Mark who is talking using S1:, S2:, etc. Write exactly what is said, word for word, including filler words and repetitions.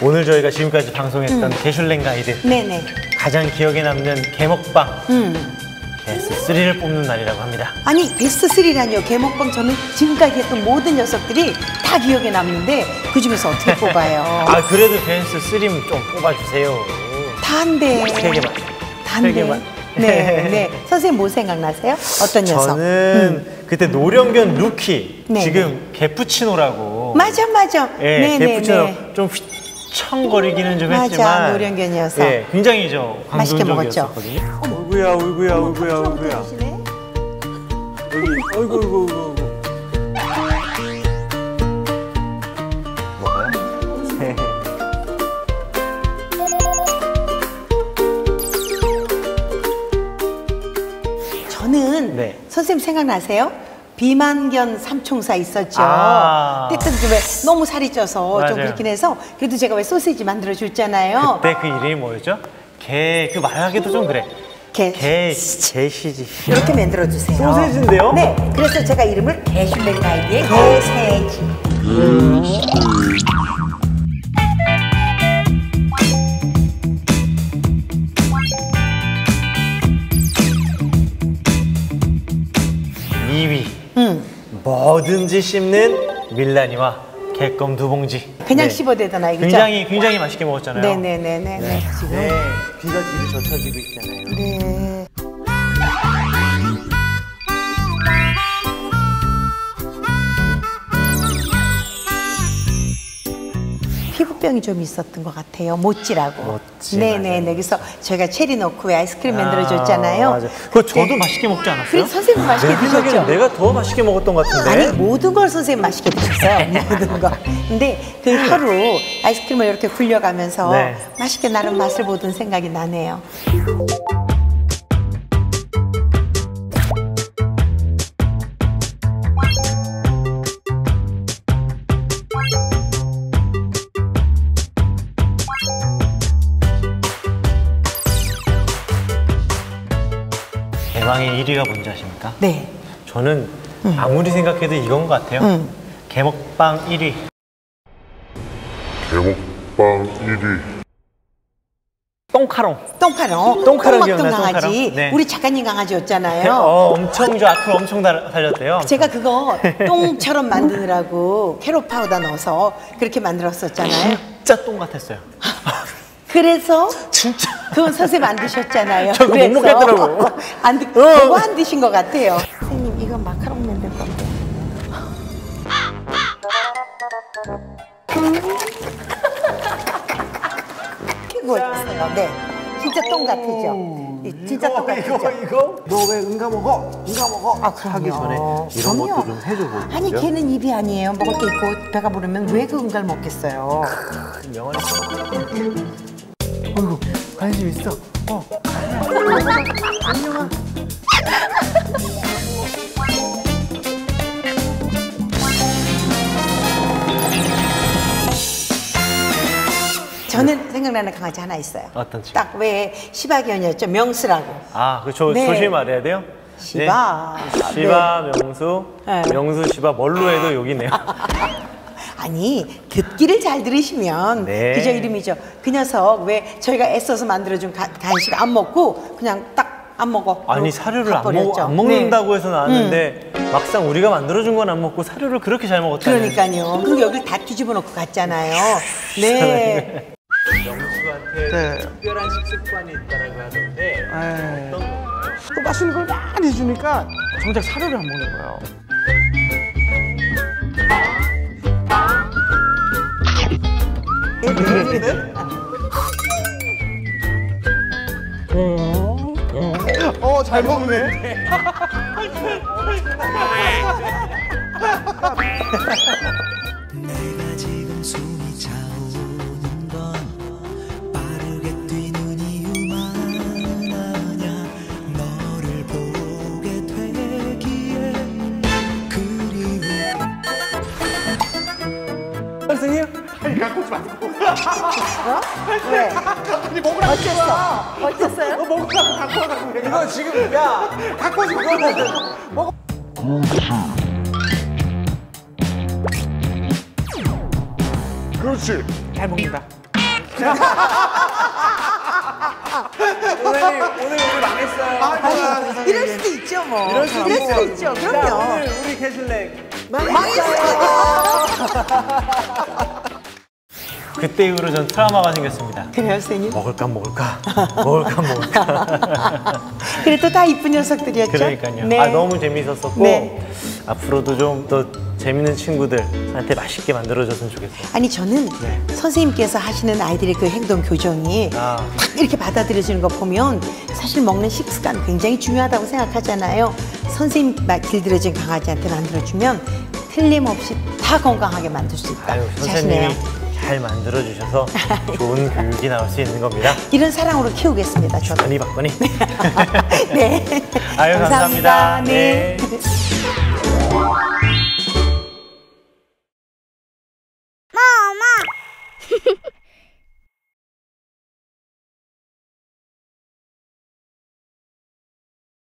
S1: 오늘 저희가 지금까지 방송했던
S2: 음.
S1: 게슐랭 가이드
S2: 네네.
S1: 가장 기억에 남는 게먹방
S2: 음.
S1: 베스트 쓰리를 뽑는 날이라고 합니다.
S2: 아니 베스트 쓰리라니요. 게먹방 저는 지금까지 했던 모든 녀석들이 다 기억에 남는데 그중에서 어떻게 뽑아요?
S1: 아 그래도 베스트 쓰리는 좀 뽑아주세요.
S2: 다인데.
S1: 세 개만.
S2: 다인데.
S1: 세 개만.
S2: 네, 네. 선생님 뭐 생각나세요? 어떤 녀석?
S1: 저는 음. 그때 노령견 루키,
S2: 네,
S1: 지금 개푸치노라고.
S2: 맞아, 맞아.
S1: 예,
S2: 네,
S1: 개푸치노
S2: 네, 네.
S1: 좀 휘청거리기는 좀
S2: 맞아,
S1: 했지만.
S2: 노령견 녀석.
S1: 예, 굉장히 저
S2: 맛있게 먹었죠.
S1: 광동적이었었거든요. 어이구야, 어이구야, 어이구야, 어이구야. 여기, 어이구, 어이구, 어이구. 먹어요?
S2: 저는
S1: 네.
S2: 선생님 생각나세요? 비만견 삼총사 있었죠.
S1: 아.
S2: 그때 왜 너무 살이 쪄서 좀
S1: 맞아요.
S2: 그렇긴 해서 그래도 제가 왜 소시지 만들어 줬잖아요.
S1: 그때 그 이름이 뭐였죠? 개, 그 말하기도 좀 그래.
S2: 개,
S1: 개, 개시지.
S2: 이렇게 만들어 주세요.
S1: 소세지인데요?
S2: 네. 그래서 제가 이름을 게슐랭 가이드의 개세지. 음.
S1: 이 위.
S2: 음.
S1: 뭐든지 씹는 밀라니와 개껌 두 봉지.
S2: 그냥
S1: 네.
S2: 씹어대던 아이, 그죠?
S1: 굉장히 굉장히 맛있게 먹었잖아요.
S2: 네네네네. 네. 지금.
S1: 네, 귀가 뒤로 젖혀지고 있잖아요.
S2: 네. 피부병이 좀 있었던 것 같아요. 모찌라고.
S1: 모찌,
S2: 네네네.
S1: 맞아요.
S2: 그래서 저희가 체리 넣고 왜 아이스크림 만들어줬잖아요.
S1: 맞아. 그거 저도
S2: 네.
S1: 맛있게 먹지 않았어요?
S2: 그래서 선생님 맛있게
S1: 내 생각에는
S2: 드셨죠?
S1: 내가 더 맛있게 먹었던 것 같은데.
S2: 아니 모든 걸 선생님 맛있게 드셨어요. 모든 거. 근데 그 하루 아이스크림을 이렇게 굴려가면서
S1: 네.
S2: 맛있게 나름 맛을 보던 생각이 나네요.
S1: 대망의 일 위가 뭔지 아십니까?
S2: 네.
S1: 저는 아무리 생각해도 이건 것 같아요.
S2: 음.
S1: 개먹방 일 위.
S3: 개먹방 일 위.
S1: 똥카롱.
S2: 똥카롱.
S1: 똥카롱
S2: 똥 먹던
S1: 기억나요?
S2: 강아지.
S1: 똥카롱? 네.
S2: 우리 작가님 강아지였잖아요.
S1: 어, 엄청 저 앞으로 엄청 달- 달렸대요.
S2: 제가 그거 똥처럼 만드느라고 캐럿 파우더 넣어서 그렇게 만들었었잖아요.
S1: 진짜 똥 같았어요.
S2: 그래서
S1: 진짜.
S2: 그건 선생님 안 드셨잖아요.
S1: 저 그거 못
S2: 그래서
S1: 먹겠더라고.
S2: 안 드, 그거 안 드신 것 같아요. 선생님 이거 마카롱 만들 건데. 그거였어요. 네. 진짜 똥 같으죠? 이 진짜 똥 같으죠?
S1: 이거? 너 왜 응가 먹어? 응가 먹어?
S2: 아, 그럼요.
S1: 하기 전에 이런
S2: 그럼요.
S1: 것도 좀 해줘보고.
S2: 아니 걔는 입이 아니에요. 먹을 게 있고 배가 부르면 왜 그 응가를 먹겠어요?
S1: 명언이. 어이구, 관심 있어. 어. 안녕아.
S2: 저는 생각나는 강아지 하나 있어요.
S1: 어떤 친구?
S2: 딱 왜 시바견이었죠? 명수라고.
S1: 아, 그저
S2: 네.
S1: 조심히 말해야 돼요.
S2: 시바.
S1: 네. 시바, 명수,
S2: 네.
S1: 명수, 시바 뭘로 해도 여기네요.
S2: 아니 듣기를 잘 들으시면
S1: 네.
S2: 그저 이름이죠. 그 녀석 왜 저희가 애써서 만들어준 가- 간식 안 먹고 그냥 딱 안 먹어.
S1: 아니
S2: 그러고
S1: 사료를 안,
S2: 가버렸죠.
S1: 먹, 안 먹는다고
S2: 네.
S1: 해서 나왔는데 막상 우리가 만들어준 건 안 먹고 사료를 그렇게 잘 먹었다는.
S2: 그러니까요. 그리고 여기를 다 뒤집어 놓고 갔잖아요. 네.
S1: 명수한테
S4: 네.
S1: 특별한 식습관이 있다라고 하던데
S4: 에이.
S1: 어떤 건가요?
S4: 또 맛있는 걸 많이 주니까 정작 사료를 안 먹는 거예요. 어, 잘 먹네.
S5: 내가 지금 숨이 차오는 건 빠르게 뛰는 이유만 아냐 너를 보게 되기에 그리운
S1: 선생님?
S4: 아니, 갖고 오지 마세요.
S2: 왜?
S4: 아니, 먹으라고.
S2: 어땠어? 어땠어요?
S4: 너 먹으라고 갖고 와가지고. 내가.
S1: 이거 지금 야
S4: 갖고 오지 마. 먹어. 그렇지.
S2: 잘 먹는다.
S1: 선생님 오늘 우리 망했어요.
S2: 아니, 이럴 수도 있죠, 뭐.
S1: 이럴 수도
S2: 이럴 수도
S1: 있죠.
S2: 있죠.
S1: 자,
S2: 그럼요.
S1: 오늘 우리 캐슐렉
S2: 망했어요.
S1: 그때 이후로 전 트라우마가 생겼습니다.
S2: 그래요, 선생님?
S1: 먹을까 먹을까 먹을까 먹을까.
S2: 그래도 다 이쁜 녀석들이었죠?
S1: 그러니까요.
S2: 네.
S1: 아 너무 재밌었었고
S2: 네.
S1: 앞으로도 좀 더 재밌는 친구들한테 맛있게 만들어줬으면 좋겠어요.
S2: 아니 저는
S1: 네.
S2: 선생님께서 하시는 아이들의 그 행동 교정이
S1: 아.
S2: 딱 이렇게 받아들여지는 거 보면 사실 먹는 식습관 굉장히 중요하다고 생각하잖아요. 선생님 말 길들여진 강아지한테 만들어주면 틀림없이 다 건강하게 만들 수 있다.
S1: 아유
S2: 자신해요.
S1: 선생님이 잘 만들어주셔서 좋은 교육이 나올 수 있는 겁니다.
S2: 이런 사랑으로 키우겠습니다. 저도.
S1: 건이 박건이.
S2: 네.
S1: 아유 감사합니다.
S2: 네.
S3: 엄마.